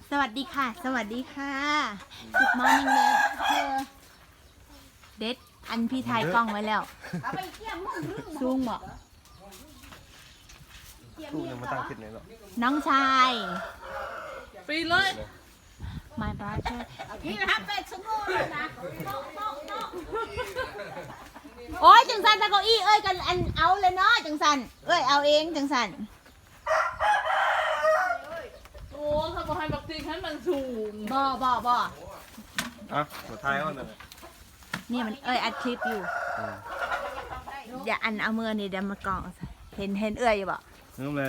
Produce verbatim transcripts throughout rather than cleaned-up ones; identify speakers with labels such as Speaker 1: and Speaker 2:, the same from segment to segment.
Speaker 1: สวัสดีค่ะ สวัสดีค่ะ Good morning เด็ดเธอเด็ดอันพี่ถ่ายกล้องไว้แล้วซูงเหรอ
Speaker 2: ตู้ยังมาตั้งคิดไหนหรอก
Speaker 1: น้องชาย
Speaker 3: ปีเลย
Speaker 1: My brother
Speaker 3: พี่นะครับเป็ดสมุนนะ
Speaker 1: โอ้ยจังสันตะเก้าอี้เอ้ยกันอันเอาเลยเนาะจังสันเอ้ยเอาเองจังสัน
Speaker 3: โอ้เขาบอกให้บักตีให้มันสูง
Speaker 1: บ่บ่บ่
Speaker 2: อ่ะหัวท้ายเขาเนี่ย
Speaker 1: เนี่ยมันเอ้ยอัดคลิปอยู่อย่าอันเอามือนี่เดี๋ยวมากองเห็นเห็นเอ้ยอยู่บ่
Speaker 2: เริ่มเลย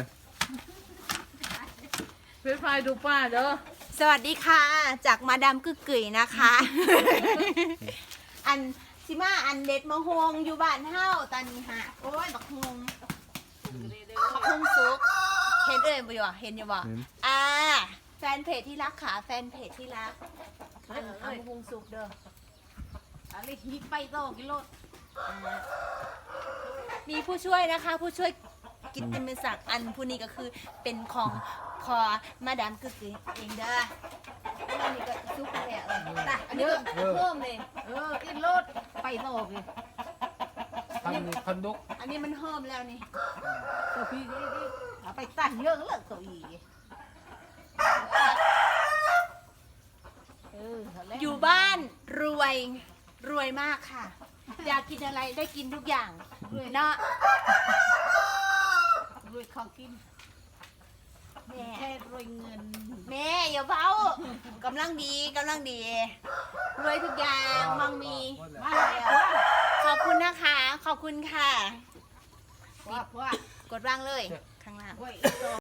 Speaker 3: เพื่อนไฟดูป้าเด้อ
Speaker 1: สวัสดีค่ะ จากมาดามกึกกึ๋ยนะคะ อันซิมาอันเด็ดมะฮวงอยู่บ้านเฮาตอนนี้ฮะโอ้ยบักฮวงบักฮวงสุกเห็นเอ่ยบ่อยู่อ่ะเห็นอยู่บ่อ่าแฟนเพจที่รักค่ะแฟนเพจที่รักอันเอาบักฮวงสุกเด้อ
Speaker 3: อะไรฮิปไปโตกิโล
Speaker 1: อ่ามีผู้ช่วยนะคะ ผู้ช่วยกิตติมศักดิ์อันผู้นี้ก็คือเป็นของคอมาดามกึกกึ๋ยเองเด้ออันนี้ก็ซุปไปแล้วเออแต่อันนี้ก็เพิ่มเลย
Speaker 3: เอออินโลดไปโตกิ
Speaker 4: คันคันดุก
Speaker 1: อันนี้มันเพิ่มแล้วนี่
Speaker 3: ตัวพี่นี่นี่เอาไปตั้งเยอะเลยตัวอีเออ
Speaker 1: อยู่บ้านรวยรวยมากค่ะ อยากกินอะไรได้กินทุกอย่างเนาะ
Speaker 3: รวยของกิน
Speaker 1: แม่
Speaker 3: แค่รวยเงิน
Speaker 1: แม่อย่าเฝ้ากำลังดีกำลังดี รวยทุกอย่างมังมี
Speaker 3: มาแล้ว
Speaker 1: ขอบคุณนะคะ ขอบคุณค่ะ
Speaker 3: ว่าว่าก
Speaker 1: ดวางเลยข้างล่าง
Speaker 3: ว่า